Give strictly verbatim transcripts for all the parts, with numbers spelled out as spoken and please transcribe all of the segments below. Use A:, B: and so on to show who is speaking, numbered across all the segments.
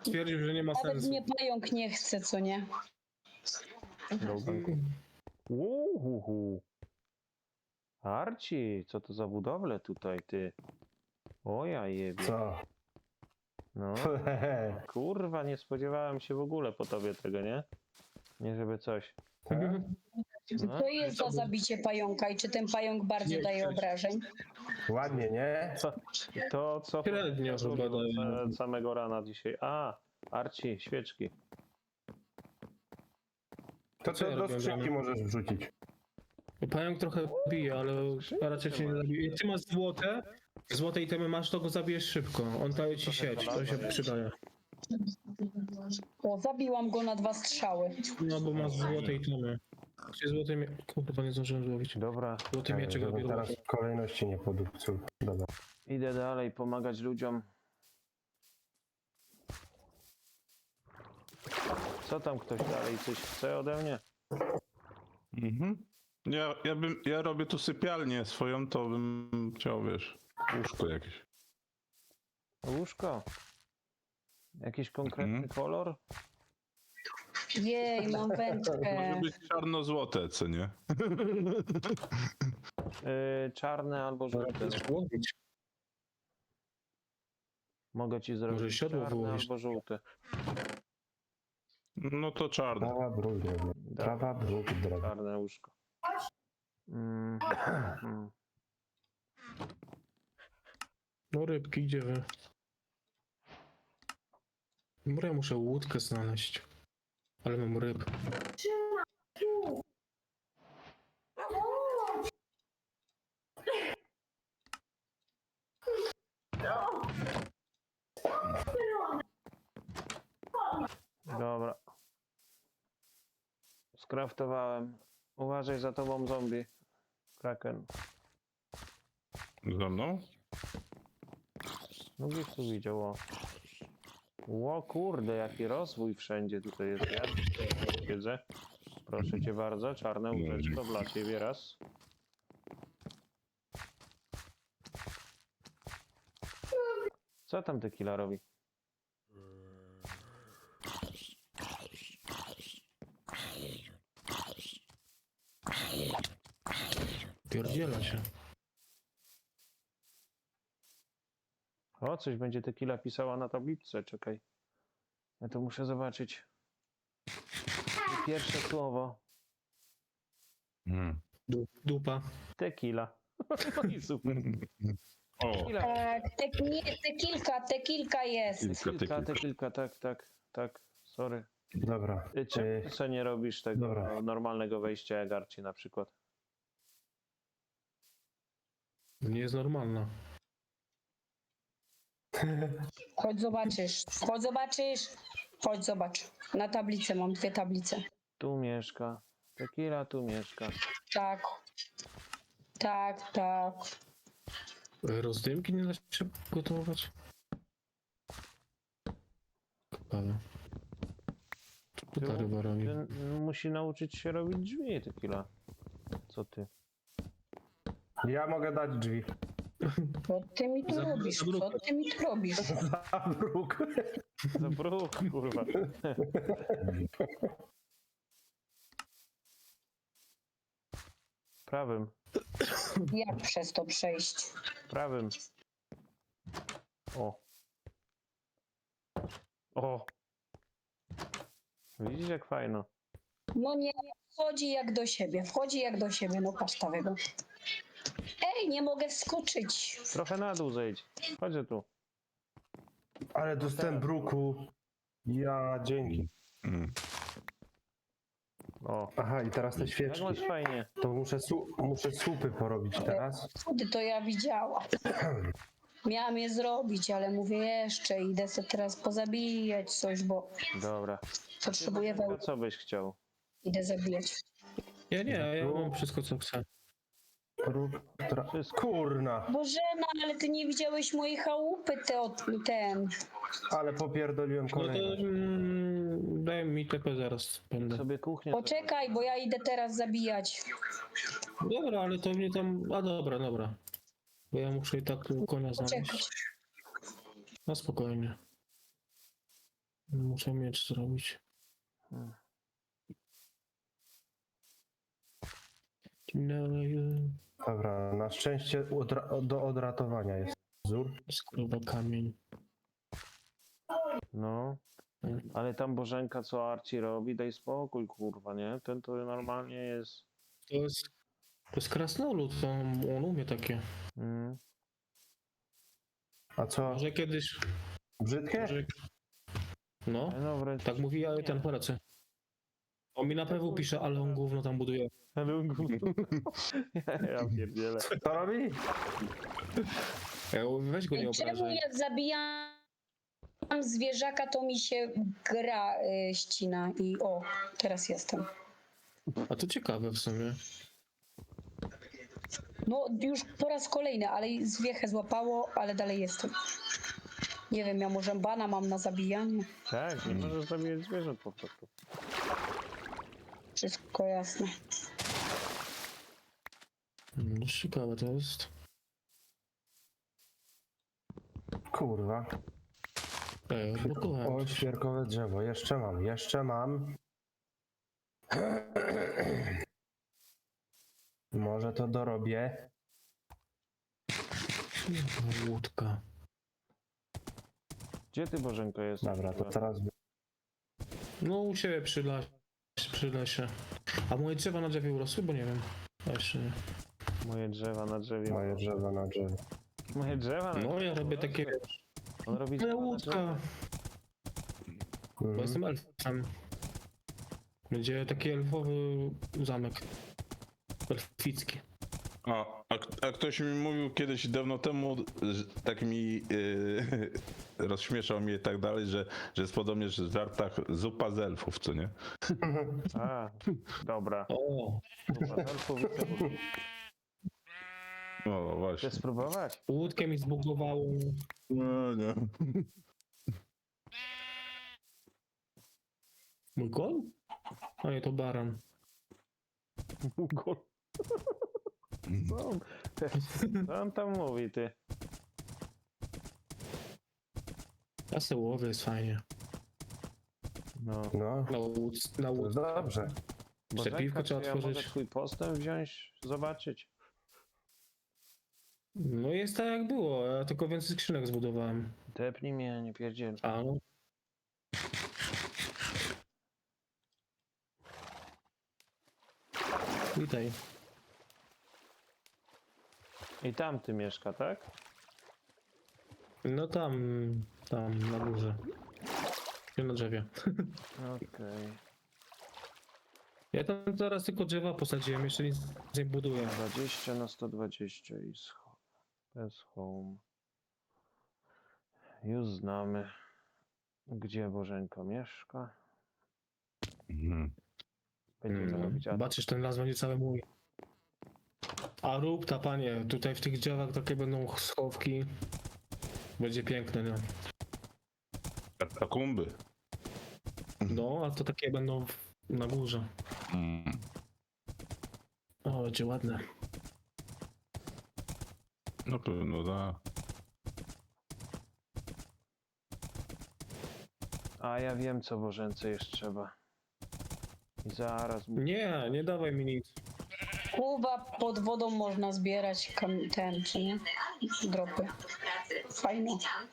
A: stwierdził, że nie ma
B: Nawet
A: sensu.
B: mnie pająk nie chce, co nie?
C: Uhuhu. Arci, co to za budowle tutaj, ty? O ja jebie.
D: Co?
C: No, kurwa, nie spodziewałem się w ogóle po tobie tego, nie? Nie żeby coś. No.
B: Co jest za zabicie pająka i czy ten pająk bardziej
A: Nie,
B: daje
A: cześć.
B: obrażeń?
D: Ładnie, nie?
C: Co? To co?
A: Średnio chyba daje.
C: Od samego rana dzisiaj. A, Arci, świeczki.
D: To
A: Co ja
D: co do
A: robię,
D: skrzynki
A: Damian?
D: możesz wrzucić.
A: Pająk trochę bije, ale raczej cię nie zabije. Jak ty masz złote, złote itemy masz, to go zabijesz szybko. On daje ci sieć, to się przydaje.
B: O, zabiłam go na dwa strzały.
A: No bo masz złote itemy. Gdzie złote mie... Kurwa, nie zdążyłem złowić.
C: Dobra,
A: Złoty mieczek
D: Żebym
A: robię.
D: teraz kolejności nie podupczył. Dobra.
C: idę dalej pomagać ludziom. Co tam ktoś dalej coś chce ode mnie?
E: Mhm. Ja, ja, bym, ja robię tu sypialnię swoją, to bym chciał, wiesz, łóżko jakieś.
C: Łóżko? Jakiś konkretny
E: Mhm.
C: kolor?
B: Jej, mam wędkę.
E: Może być czarno-złote, co nie?
C: Yy, czarne albo żółte.
A: Złowić.
C: Mogę ci zrobić
A: Może siodło
C: czarne
A: wyłowić.
C: albo żółte.
E: No to czarne.
D: Prawa bruk, drogi. Prawa bruk, drogi.
C: Czarne łóżko. Mm, mm.
A: No rybki, gdzie wy? Może ja muszę łódkę znaleźć. Ale mam ryb.
C: Dobra. Skraftowałem. Uważaj za tobą zombie. Kraken.
E: Za mną?
C: No gdzieś tu widział, o. Ło kurde, jaki rozwój wszędzie tutaj jest, ja wiedzę. Proszę cię bardzo, czarne łóżeczko dla ciebie raz. Co tam tequila robi?
A: Pierdziela się.
C: O, coś będzie tequila pisała na tabliczce, czekaj. Ja to muszę zobaczyć. Pierwsze słowo.
E: Hmm.
A: Du- Dupa.
C: Tequila. No i super.
E: O,
C: Tequila.
B: Tak, te, nie, te kilka, te kilka jest.
E: kilka
C: Tequilka,
E: tekil.
C: tequilka, tak, tak, tak. Sorry.
D: Dobra.
C: Ty czemu
D: Y,
C: co nie robisz tego
D: Dobra.
C: normalnego wejścia jak Arci na przykład?
A: Nie jest normalna.
B: Chodź zobaczysz, chodź zobaczysz. Chodź zobacz. Na tablicę mam dwie tablice.
C: Tu mieszka. Tequila tu mieszka.
B: Tak. Tak, tak.
A: Rozdymki nie da się gotować? Ciekawe. Co ta ryba robi?
C: Ty musi nauczyć się robić drzwi tequila. Co ty?
D: Ja mogę dać drzwi.
B: Co ty mi tu
A: Za-
B: robisz?
A: za bruk.
B: Co ty mi tu robisz?
D: Za bruk.
C: Za bruk, kurwa. Prawym,
B: Jak przez to przejść?
C: prawym. O. O. Widzisz jak fajno.
B: No nie, wchodzi jak do siebie, wchodzi jak do siebie, no pasztawego. Ej, nie mogę wskoczyć.
C: Trochę na dół zejdź. Chodź tu.
D: Ale dostałem bruku. Ja, dzięki.
E: Hmm.
C: O.
D: Aha, i teraz te
C: Jak
D: świeczki.
C: masz fajnie.
D: To muszę, su muszę supy porobić teraz.
B: Wtedy to ja widziałam. Miałam je zrobić, ale mówię jeszcze, idę sobie teraz pozabijać coś, bo
C: Dobra.
B: potrzebuję
C: To
B: wełny.
C: co byś chciał?
B: Idę zabijać.
A: Ja nie, ja mam wszystko co chcę.
D: Bruk, tra...
C: Wszystko.
D: Kurna,
B: Bożena, ale ty nie widziałeś mojej chałupy, te, od- ten.
D: ale popierdoliłem
A: No to
D: kolejność.
A: mm, daj mi T P zaraz będę.
C: Sobie kuchnię.
B: Poczekaj, bo ja idę teraz zabijać.
A: Dobra, ale to mnie tam... A dobra, dobra. Bo ja muszę i tak tu konia znaleźć.
B: Poczekać.
A: No spokojnie. Muszę miecz zrobić.
C: Hmm.
A: No,
D: Dobra, na szczęście odra- do odratowania jest wzór.
A: skruba kamień.
C: No, ale tam Bożenka, co Arci robi, daj spokój, kurwa, nie? Ten to normalnie jest...
A: To jest, to jest krasnolud, on, on umie takie.
C: Mm.
D: A co?
A: Może kiedyś...
D: Brzydkie?
A: Może, no,
C: No wręcz...
A: tak mówi, ale ten polecę. On mi na pewno pisze, ale on gówno tam buduje.
C: Ale on gówno. Ja pierdzielę.
D: Co robi?
A: Ja mówię, weź go nie
B: Ej, czemu
A: obrażaj.
B: jak zabijam zwierzaka, to mi się gra y, ścina i o, teraz jestem.
A: A to ciekawe w sumie.
B: No już po raz kolejny, ale i zwiechę złapało, ale dalej jestem. Nie wiem, ja może bana mam na zabijanie.
C: Tak, nie możesz zabijać zwierząt po prostu.
B: Wszystko jasne.
A: No, ciekawe to jest.
D: Kurwa.
A: Ej, odblokowałem.
D: O, świerkowe drzewo. Jeszcze mam, jeszcze mam. Może to dorobię.
A: Łódka.
C: Gdzie ty, Bożenko, jesteś?
D: Dobra, to teraz...
A: No u siebie przy, las, przy lesie. A moje drzewa na drzewie urosły? Bo nie wiem. A jeszcze nie.
C: Moje drzewa na drzewie.
D: Moje drzewo na drzewie.
C: Moje drzewa na
A: No ja robię takie...
C: On robi
A: Moja
C: drzewa na
A: łódka.
C: drzewie.
A: Bo
D: Mhm.
A: jestem elfem. Będzie taki elfowy zamek. Elficki.
E: A, a, k- a ktoś mi mówił kiedyś dawno temu, że tak mi yy, rozśmieszał mnie i tak dalej, że, że jest podobnie, że w żartach zupa z elfów, co nie?
C: A, dobra.
A: O,
C: Dobra, elfów i cebuli.
E: No właśnie.
C: Chcesz spróbować?
A: łódkę mi zbugowało.
E: No, nie.
A: Mój gol? A nie, to baran.
C: Gol. Co on, co on tam mówi, ty?
A: Ja se łowię, jest fajnie.
C: No.
D: No,
A: Na łódce, na
D: to jest
A: łódce.
D: dobrze.
C: Bożenka,
A: piwko trzeba
C: czy ja mogę
A: otworzyć.
C: twój postęp wziąć, zobaczyć?
A: No jest tak jak było, ja tylko więcej skrzynek zbudowałem.
C: Depnij mnie, nie pierdziel.
A: A no. Witaj.
C: I tam ty mieszka, tak?
A: No tam, tam na górze. Nie na drzewie.
C: Okej.
A: Ja tam teraz tylko drzewa posadziłem, jeszcze nic nie buduję.
C: dwadzieścia na sto dwadzieścia i scho- bez home. Już znamy, gdzie Bożenko mieszka.
E: Mhm.
C: Będziemy
A: Mm,
C: robić atak.
A: Zobaczysz, ten las będzie cały mój. A rób ta panie, tutaj w tych drzewach takie będą schowki. Będzie piękne, no.
E: Katakumby.
A: No, a to takie będą w- na górze.
E: Mm.
A: O, będzie ładne.
E: Na pewno, da.
C: A ja wiem, co Bożence jeszcze trzeba. I zaraz mu...
A: Nie, nie dawaj mi nic.
B: Kuba, pod wodą można zbierać kam- ten, czy nie? Dropy. Fajnie.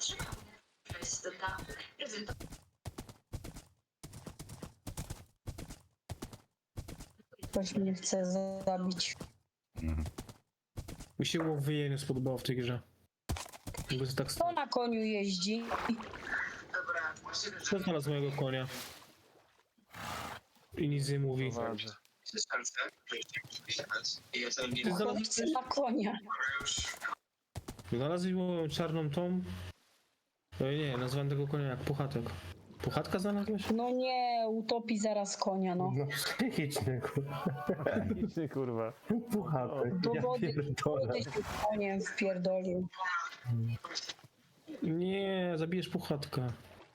B: Ktoś mnie chce zabić.
E: Mhm.
A: Mi się łowienie nie spodobało w tej grze. Jakby jest tak
B: Kto na koniu jeździ?
A: Co znalazł mojego konia? I nic nie mówi.
C: Prowadzę.
A: Ty znalazłeś,
B: Chłopcy na konia.
A: znalazłeś moją czarną tą? Oj nie, nazwałem tego konia jak Puchatek. Puchatka znalazłeś?
B: No nie, utopi zaraz konia, no.
D: No psychiczny, kurwa.
C: Ty kurwa.
D: Puchatek.
B: Do
D: Ja
B: wody,
D: pierdolę.
B: wody się koniem wpierdolił.
A: Nie, zabijesz Puchatka.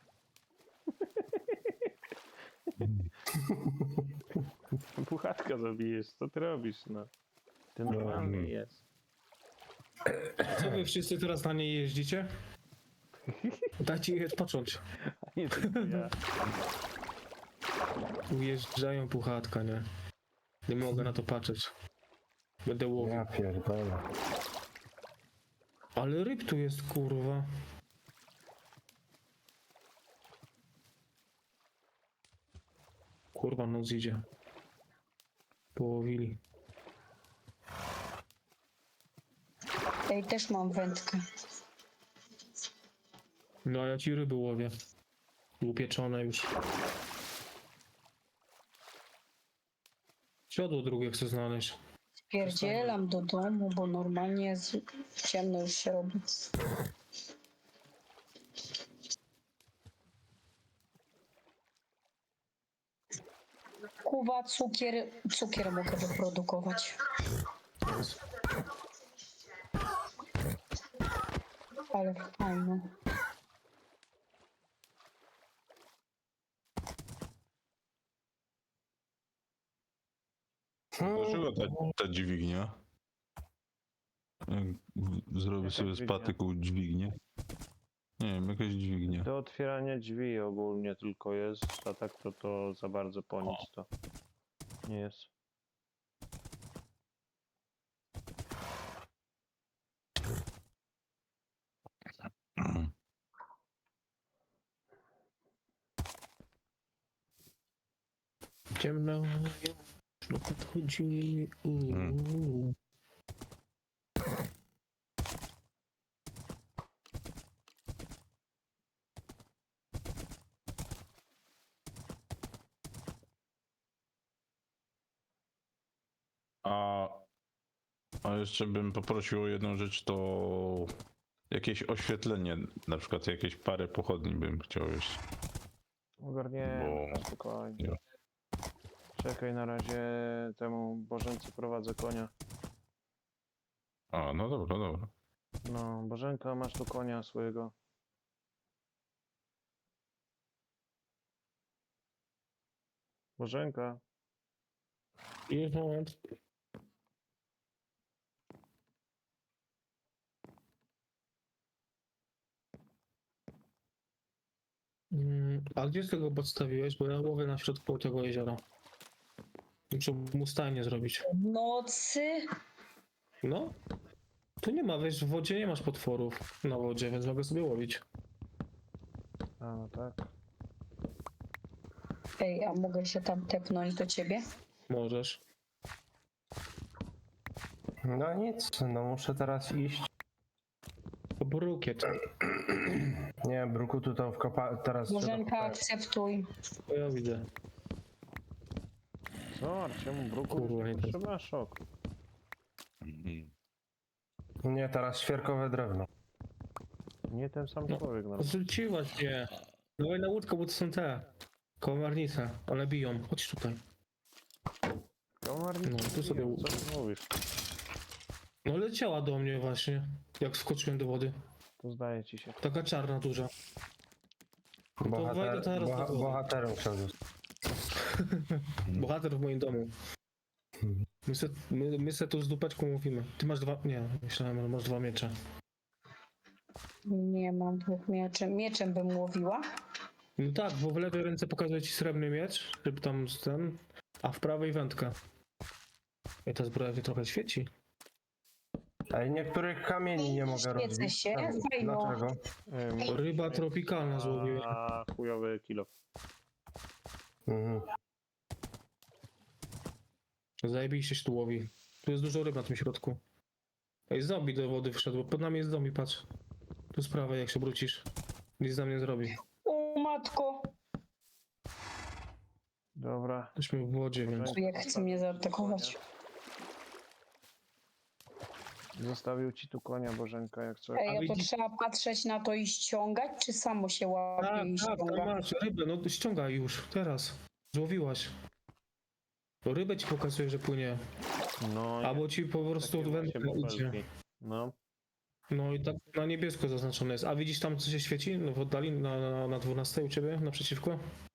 C: Puchatka zabijesz, co ty robisz, no? Ty normalny jest.
A: Co wy wszyscy teraz na niej jeździcie? Dajcie jej odpocząć.
C: Nie tylko ja.
A: Ujeżdżają puchatka, nie? Nie mogę na to patrzeć. Będę łowił.
D: Ja pierdolę.
A: Ale ryb tu jest, kurwa. Kurwa, noc idzie. Połowili.
B: Ej, też mam wędkę.
A: No a ja ci ryby łowię. Upieczone już. Siodło drugie chcę znaleźć.
B: Pierdzielam do domu, bo normalnie jest ciemno już się robi. Kuwa, cukier, cukier mogę wyprodukować. Ale fajne.
E: Dlaczego ta, ta dźwignia? Jak w- Zrobię
C: Jaka
E: sobie z
C: dźwignia?
E: patyku dźwignię. Nie wiem, jakaś dźwignia.
C: Do otwierania drzwi ogólnie tylko jest, a tak to to za bardzo po nic to nie jest.
A: Ciemno, już no podchodzi. Uuu.
E: A, a jeszcze bym poprosił o jedną rzecz, to jakieś oświetlenie, na przykład jakieś parę pochodni bym chciał jeszcze.
C: Ogarniemy,
E: Bo-
C: to spokojnie.
E: nie.
C: Czekaj, na razie temu Bożence prowadzę konia.
E: A, no dobra, dobra.
C: No, Bożenka, masz tu konia swojego. Bożenka,
A: Jest moment. Mm, a gdzie z tego podstawiłeś? Bo ja łowię na środku tego jeziora. Muszę mu stajnię zrobić.
B: W nocy
A: No? Tu nie ma, wiesz, w wodzie nie masz potworów na wodzie, więc mogę sobie łowić.
C: a no tak.
B: Ej, a mogę się tam tepnąć do ciebie?
A: Możesz.
D: No nic, no muszę teraz iść.
A: To brukiet.
D: Nie, Brukutu to wkopa... teraz trzeba
B: Bożenka,
D: kopać.
B: akceptuj.
A: To ja widzę.
C: Co, Arciemu bruku?
A: Kurwa, nie tak.
C: Trzeba szok.
D: Nie, teraz świerkowe drewno.
C: Nie ten sam
A: No.
C: człowiek. No.
A: Zrzuciłaś mnie. Dawaj na łódkę, bo to są te. Komarnice. One biją. Chodź tutaj.
C: Komarnik,
A: No, tu sobie-
C: co ty mówisz?
A: No leciała do mnie właśnie, jak wskoczyłem do wody.
C: To zdaje ci się.
A: Taka czarna, duża.
D: Bohater,
A: wejdę teraz
D: boha,
A: do wody.
D: bohaterem chciał zostać.
A: Bohater w moim domu. My se, my, my se tu z dupeczką mówimy. Ty masz dwa... Nie, myślałem, że masz dwa miecze.
B: Nie mam dwóch mieczy. Mieczem bym łowiła.
A: No tak, bo w lewej ręce pokazuje ci srebrny miecz, żeby tam z ten, a w prawej wędkę. I ta zbroja się trochę świeci.
D: Ej, niektórych kamieni nie mogę
B: Świecę
D: rozbić.
B: się,
D: Czemu?
B: fajno.
D: Dlaczego?
C: Ym,
A: Ryba tropikalna złowiłem.
C: A chujowy kilo.
D: Mhm.
A: Zajebiście się tu łowi. Tu jest dużo ryb na tym środku. Ej, zombie do wody wszedł, bo pod nami jest zombie, patrz. Tu z prawej, jak się wrócisz. Nic nam nie zrobi.
B: O matko,
C: Dobra.
A: Jesteśmy w wodzie, więc...
B: jak chce mnie zaatakować.
C: Zostawił ci tu konia Bożenka, jak coś.
B: Ej, a to
A: widzisz-
B: trzeba patrzeć na to i ściągać, czy samo się łapie
A: Tak,
B: i
A: tak, tam
B: ściąga?
A: masz rybę, no ściągaj już, teraz. Złowiłaś. To rybę ci pokazuje, że płynie.
C: No,
A: Albo ci po prostu
C: takie
A: wędka
C: właśnie
A: idzie.
C: bąbelki. No,
A: No i tak na niebiesko zaznaczone jest. A widzisz tam, co się świeci? No w oddali, na, na, na dwunastej u ciebie, naprzeciwko?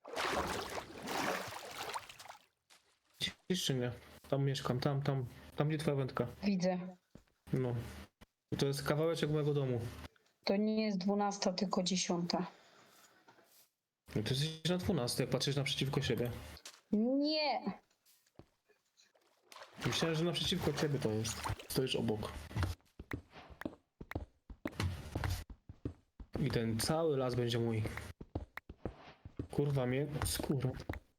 A: Widzisz czy nie? Tam mieszkam, tam, tam, tam gdzie twoja wędka.
B: Widzę.
A: No. I to jest kawałeczek mojego domu.
B: To nie jest dwunasta, tylko dziesiąta.
A: No to jesteś na dwunastej, jak patrzysz naprzeciwko siebie.
B: Nie.
A: Myślałem, że naprzeciwko ciebie to jest. Stoisz obok. I ten cały las będzie mój. Kurwa mnie, skóra.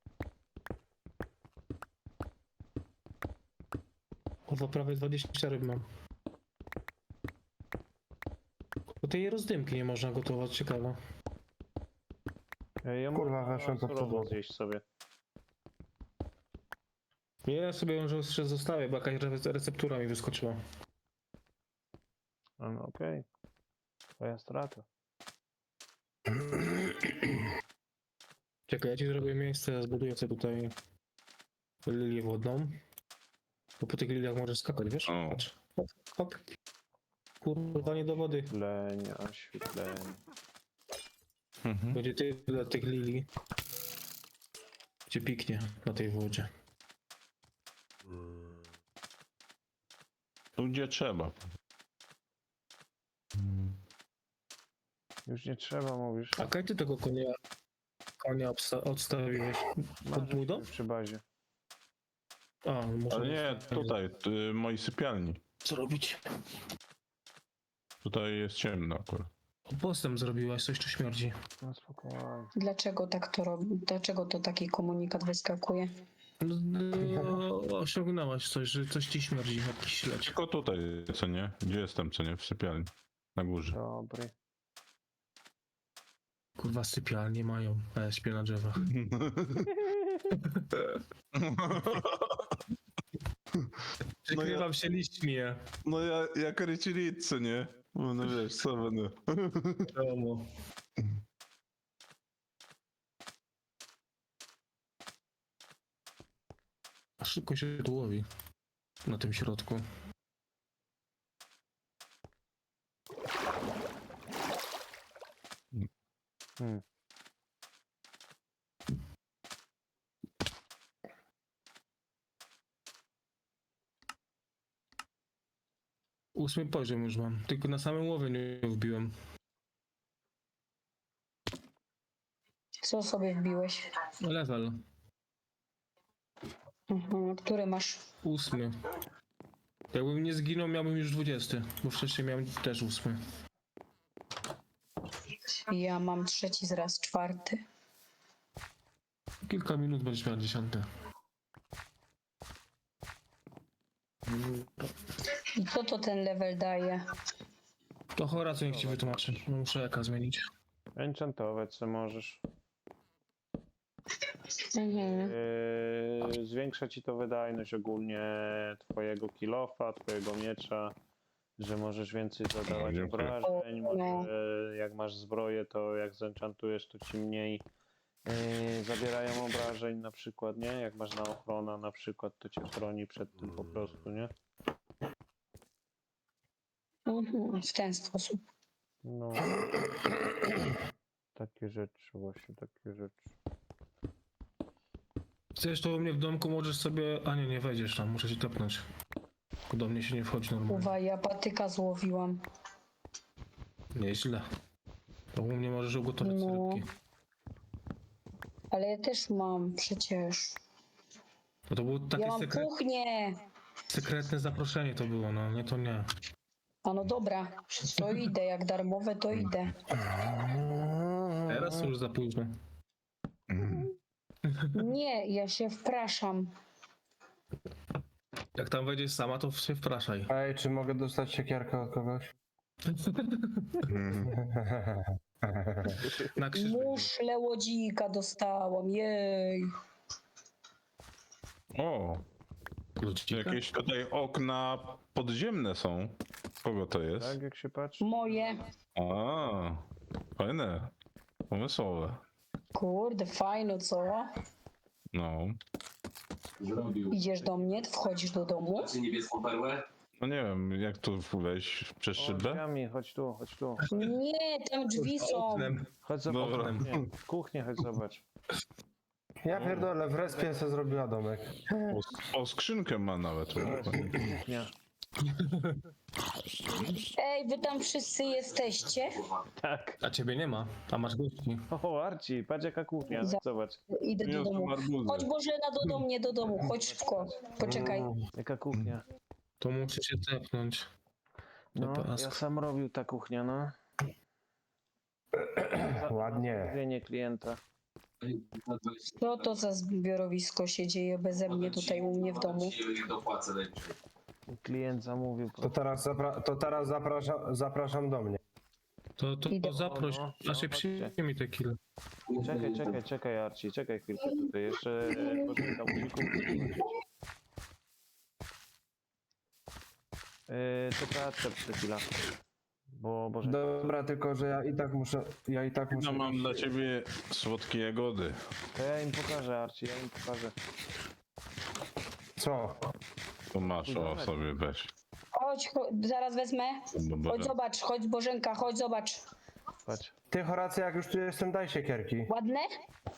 A: Kurwa, prawie dwadzieścia ryb mam. Bo tej rozdymki nie można gotować, ciekawe.
C: Ja
D: Kurwa, weszłem pod
C: surową
D: podłogę.
C: zjeść sobie.
A: Nie, ja sobie ją jeszcze zostawię, bo jakaś re- receptura mi wyskoczyła.
C: No, no okej. Twoja strata.
A: Czekaj, ja ci zrobię miejsce, ja zbuduję sobie tutaj lilię wodną. Bo po tych liliach możesz skakać, wiesz?
E: O.
A: Patrz. Hop, hop. Kurwa, nie do wody.
C: Oświetlenie, oświetlenie.
E: Mhm.
A: Będzie tyle tych lilii. Gdzie piknie na tej wodzie.
E: Tu gdzie trzeba.
C: Już nie trzeba, mówisz.
A: A kaj ty tego konia, konia obsta- odstawiłeś? Pod mój dom?
C: Przy bazie.
A: A, muszę...
E: Ale nie, tutaj, y, mojej sypialni.
A: Co robić?
E: Tutaj jest ciemno akurat.
A: Postęp zrobiłaś, coś tu śmierdzi.
C: No spokojnie.
B: Dlaczego tak to robi? Dlaczego to taki komunikat wyskakuje?
A: No, no, osiągnęłaś coś, że coś ci śmierdzi, jakiś śledź.
E: Tylko tutaj, co nie? Gdzie jestem, co nie? W sypialni. Na górze.
C: Dobry.
A: Kurwa, sypialnie mają, a ja śpię na drzewach. Przykrywam się liśćmi, ja.
E: No ja, jak rycilicy, nie? No wiesz, co będę.
A: Wiadomo. A szybko się tu łowi. Na tym środku.
C: Hmm.
A: Ósmy poziom już mam, tylko na samym łowie nie wbiłem.
B: Co sobie wbiłeś?
A: Level.
B: Mhm. Który masz?
A: Ósmy. Jakbym nie zginął, miałbym już dwudziesty, bo wcześniej miałem też ósmy.
B: Ja mam trzeci zraz, czwarty.
A: Kilka minut będziesz miał dziesiąty.
B: I co to ten level daje?
A: To Horace niech ci wytłumaczy. No, muszę jaka zmienić.
C: Enchantować co możesz.
B: Mhm.
C: Yy, zwiększa ci to wydajność ogólnie twojego kilofa, twojego miecza, że możesz więcej zadawać
E: Dziękuję.
C: obrażeń,
B: O, no.
C: może jak masz zbroję, to jak zenchantujesz, to ci mniej yy, zabierają obrażeń na przykład, nie? Jak masz na ochrona na przykład, to cię chroni przed tym po prostu, nie?
B: Mhm. W ten sposób.
C: No. Takie rzeczy, właśnie takie rzeczy.
A: Chcesz to u mnie w domku, możesz sobie... A nie, nie wejdziesz tam, muszę cię tepnąć. Bo do mnie się nie wchodzi normalnie.
B: Uwa, ja patyka złowiłam.
A: Nieźle. To u mnie możesz ugotować
B: No.
A: rybki.
B: Ale ja też mam przecież.
A: Bo to było takie
B: Ja mam
A: sekret...
B: kuchnię.
A: sekretne zaproszenie to było, no nie to nie.
B: A no dobra, to idę. Jak darmowe, to idę.
A: Teraz już za późno.
B: Nie, ja się wpraszam.
A: Jak tam wejdziesz sama, to się wpraszaj.
D: Ej, czy mogę dostać siekierkę od kogoś?
A: Na krzyż wejdziesz.
B: Muszle łodzika dostałam, jej.
E: O,
A: Kluczyka?
E: jakieś tutaj okna podziemne są. Kogo to jest?
C: Tak jak się patrzy?
B: Moje.
E: A, fajne. Pomysłowe.
B: Kurde, fajno, co?
E: No.
F: Zrobił.
B: Idziesz do mnie, wchodzisz do domu.
F: Macie niebieską perłę?
E: No nie wiem, jak tu wejść przez
C: O,
E: szybę?
C: drzwiami, chodź tu, chodź tu.
B: Nie, tam drzwi są.
A: Oknem.
C: Chodź zobacz
E: Dobra.
C: kuchnię. Kuchnię chodź zobacz.
D: Ja pierdolę, w respie se zrobiła domek.
E: O, o skrzynkę ma nawet.
C: Kuchnia.
B: Ej, wy tam wszyscy jesteście?
C: Tak.
A: A ciebie nie ma, a masz gości.
C: O, Arci, patrz jaka kuchnia,
B: Za-
C: zobacz.
B: Idę do
E: Niosą
B: domu.
E: arbuzy.
B: Chodź Bożena do, do mnie, do domu. Chodź szybko. Poczekaj.
D: Mm,
C: Jaka kuchnia.
A: To muszę się tepnąć.
C: No,
A: Teraz.
C: ja sam robił ta kuchnia, no.
D: Ładnie.
C: Zamówienie klienta.
B: Co to za zbiorowisko się dzieje beze mnie tutaj u mnie w domu?
F: Dopłacę najwyżej.
C: Klient zamówił.
D: To teraz, zapra- to teraz zapraszam, zapraszam do mnie.
A: To, to,
B: Idę.
A: to zaproś,
C: No, no,
A: znaczy
C: chodźcie.
A: przyjmij te kill.
C: Czekaj, czekaj, czekaj, Arci, czekaj chwilkę tutaj. Jeszcze e, Bożenka musi kupić. Yy, tylko odczep chwila. Bo Bożenka...
D: Dobra, tylko że ja i tak muszę, ja i tak muszę...
E: No mam dla ciebie słodkie jagody.
C: To ja im pokażę, Arci, ja im pokażę.
D: Co?
E: To masz, o sobie weź.
B: Chodź, chodź, zaraz wezmę.
E: Bo
B: Chodź
E: będę-
B: zobacz, chodź Bożenka, chodź zobacz.
C: Patrz.
D: Ty, Horacy, jak już tu jestem, daj siekierki.
B: Ładne?